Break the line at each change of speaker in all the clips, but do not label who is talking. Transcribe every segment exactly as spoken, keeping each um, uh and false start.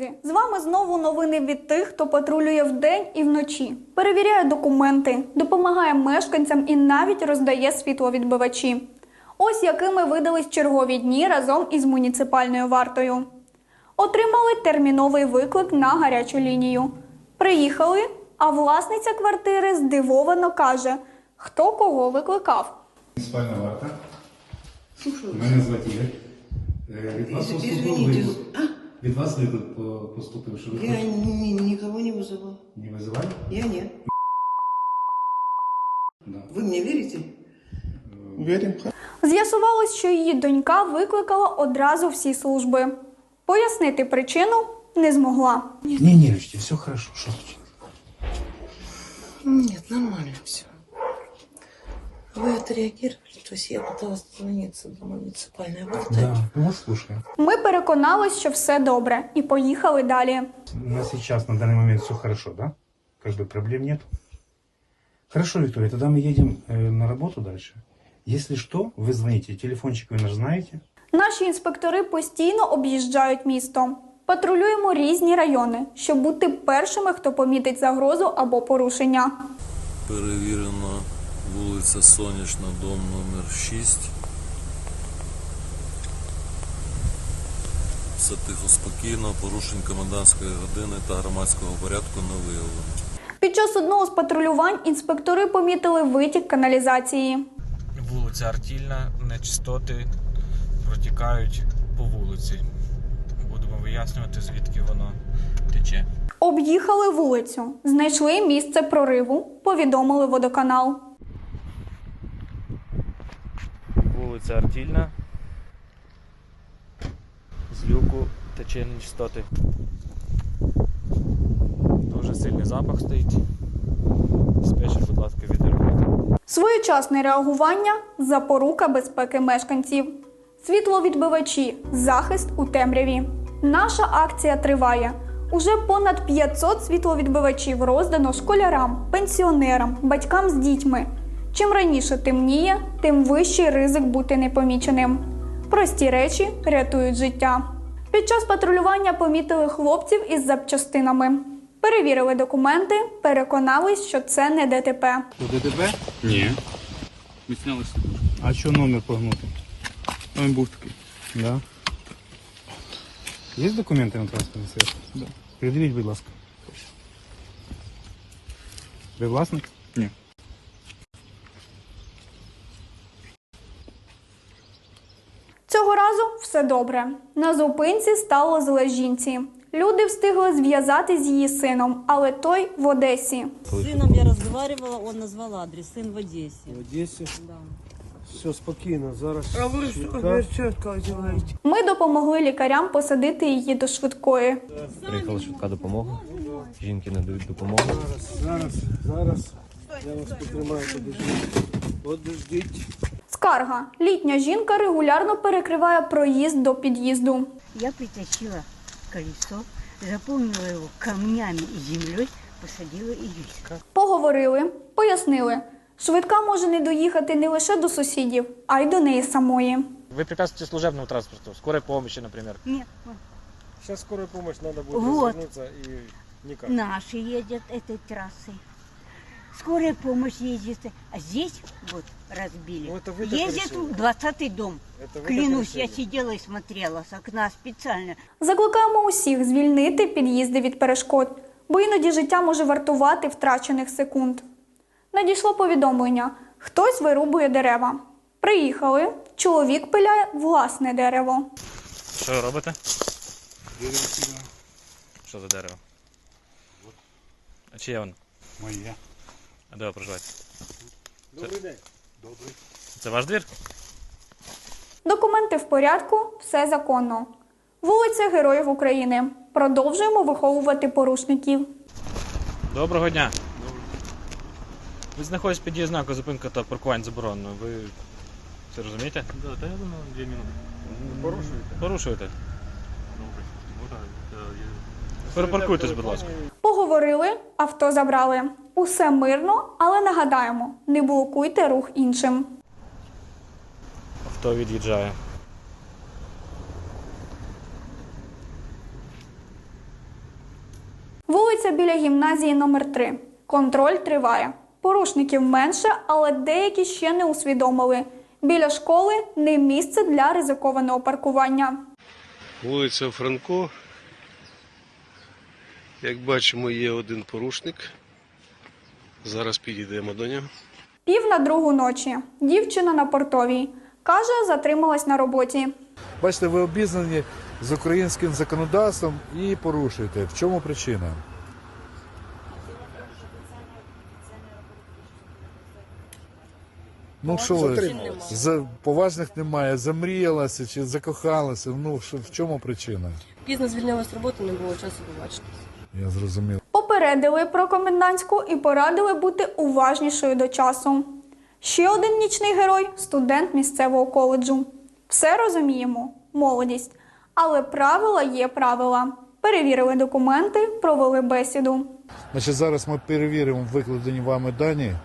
друзі! З вами знову новини від тих, хто патрулює вдень і вночі, перевіряє документи, допомагає мешканцям і навіть роздає світловідбивачі. Ось якими видались чергові дні разом із муніципальною вартою. Отримали терміновий виклик на гарячу лінію. Приїхали, а власниця квартири здивовано каже, хто кого викликав.
Муніципальна варта. Мене звати Ігор. Від вас поступив виклик. Від вас виклик поступив, що ви
Я ні, нікого не визивала.
не визивали?
Я ні.
Да.
Ви мені вірите?
Віримо.
З'ясувалось, що її донька викликала одразу всі служби. Пояснити причину не змогла.
Не нервничайте, все хорошо. Що случилось?
Нет, нормально все. Вы отреагировали, то есть я пыталась дозвониться до муниципальной варты.
Да, мы вас слушаем.
Ми переконались, що все добре, і поїхали далі.
На сейчас, на данный момент все хорошо, да? Как бы проблем нет. Хорошо, Виктория, тогда мы едем э, на работу дальше. Если что, вы звоните, телефончик вы наш знаете.
Наші інспектори постійно об'їжджають місто. Патрулюємо різні райони, щоб бути першими, хто помітить загрозу або порушення.
Перевірено вулиця Сонячна, дом номер шість. Все тихо, спокійно, порушень комендантської години та громадського порядку не виявлено.
Під час одного з патрулювань інспектори помітили витік каналізації.
Вулиця Артільна, нечистоти протікають по вулиці. Будемо вияснювати, звідки воно тече.
Об'їхали вулицю, знайшли місце прориву, повідомили водоканал.
Вулиця Артільна. З люку тече нечистоти. Дуже сильний запах стоїть. Диспетчер, будь ласка, відреагуйте.
Своєчасне реагування – запорука безпеки мешканців. Світловідбивачі – захист у темряві. Наша акція триває. Уже понад п'ятсот світловідбивачів роздано школярам, пенсіонерам, батькам з дітьми. Чим раніше темніє, тим вищий ризик бути непоміченим. Прості речі рятують життя. Під час патрулювання помітили хлопців із запчастинами. Перевірили документи, переконались, що це не ДТП.
То ДТП? Ні. Ми зняли сидушку.
А що номер погнутий?
Він був такий.
Да. Є документи на транспортне средство?
Да.
Придивіть, будь ласка. Ви власник?
Ні.
Цього разу все добре. На зупинці стало зле жінці. Люди встигли зв'язати з її сином, але той в Одесі.
С сыном я разговаривала, он назвал адрес, сын в Одессе.
В Одесі?
Да.
Все спокійно, зараз.
А ви що чітко одягаєте?
Ми допомогли лікарям посадити її до швидкої.
Приїхала швидка допомога. Жінки надають допомогу.
Зараз, зараз, зараз. Я вас потримаю, подождіть. Подождіть.
Скарга. Літня жінка регулярно перекриває проїзд до під'їзду.
Я притащила колесо, заполнила его камнями и землей, посадила и весь.
Поговорили, пояснили. Швидка може не доїхати не лише до сусідів, а й до неї самої.
Ви препятствуєте служебному транспорту, скорой помощи, наприклад.
Нет,
Зараз скорая помощь, надо буде
Вот.
розвернутися і никак.
наши ездят этой трассой. Скорая помощь ездит, а здесь вот разбили.
Ну, это вы так
Ездит
решили.
двадцатый дом.
Это вы так
Клянусь, я
решили.
сидела и смотрела с окна специально.
Закликаємо усіх звільнити під'їзди від перешкод, бо іноді життя може вартувати втрачених секунд. Надійшло повідомлення. Хтось вирубує дерева. Приїхали. Чоловік пиляє власне дерево.
Що ви робите? Що за дерево? А чиє воно?
Моє.
А де ви проживаєте?
Добрий день.
Добрий.
Це ваш двір?
Документи в порядку, все законно. Вулиця Героїв України. Продовжуємо виховувати порушників.
Доброго дня. Ви знаходитесь під дією знаку зупинка та паркування заборонено. Ви це розумієте?
Да, та я думаю, дві минути. Порушуєте?
Порушуєте.
Добре. Ну так, я...
Перепаркуйтесь, будь ласка.
Поговорили, авто забрали. Усе мирно, але нагадаємо, не блокуйте рух іншим.
Авто від'їжджає.
Вулиця біля гімназії номер три. Контроль триває. Порушників менше, але деякі ще не усвідомили. Біля школи не місце для ризикованого паркування.
Вулиця Франко. Як бачимо, є один порушник. Зараз підійдемо до нього.
Пів на другу ночі. Дівчина на Портовій. Каже, затрималась на роботі.
Бачите, ви обізнані з українським законодавством і порушуєте. В чому причина? Ну що ви, за, поважних немає, замріялася чи закохалася, ну що, в чому причина?
Пізно звільнилась з роботи, не було часу побачити.
Я зрозумів.
Попередили про комендантську і порадили бути уважнішою до часу. Ще один нічний герой – студент місцевого коледжу. Все розуміємо – молодість. Але правила є правила. Перевірили документи, провели бесіду.
Значить, зараз ми перевіримо викладені вами дані.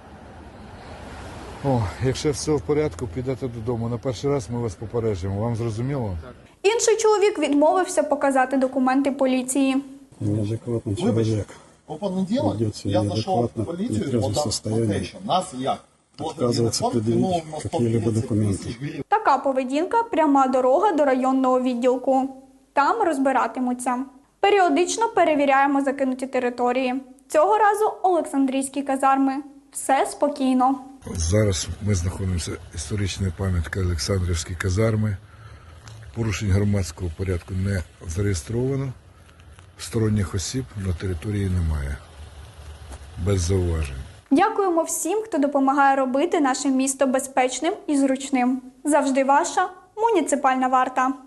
О, якщо все в порядку, підете додому. На перший раз ми вас попереджуємо. Вам зрозуміло?
Інший чоловік відмовився показати документи поліції.
Неадекватный человек.
По понеділок я зайшов в поліцію, подав нас як?
Отказывается предъявить какие-либо документы.
Така поведінка – пряма дорога до районного відділку. Там розбиратимуться. Періодично перевіряємо закинуті території. Цього разу Олександрійські казарми. Все спокійно.
Зараз ми знаходимося в історичній пам'ятці Олександрівські казарми. Порушень громадського порядку не зареєстровано. Сторонніх осіб на території немає. Без зауважень.
Дякуємо всім, хто допомагає робити наше місто безпечним і зручним. Завжди ваша муніципальна варта.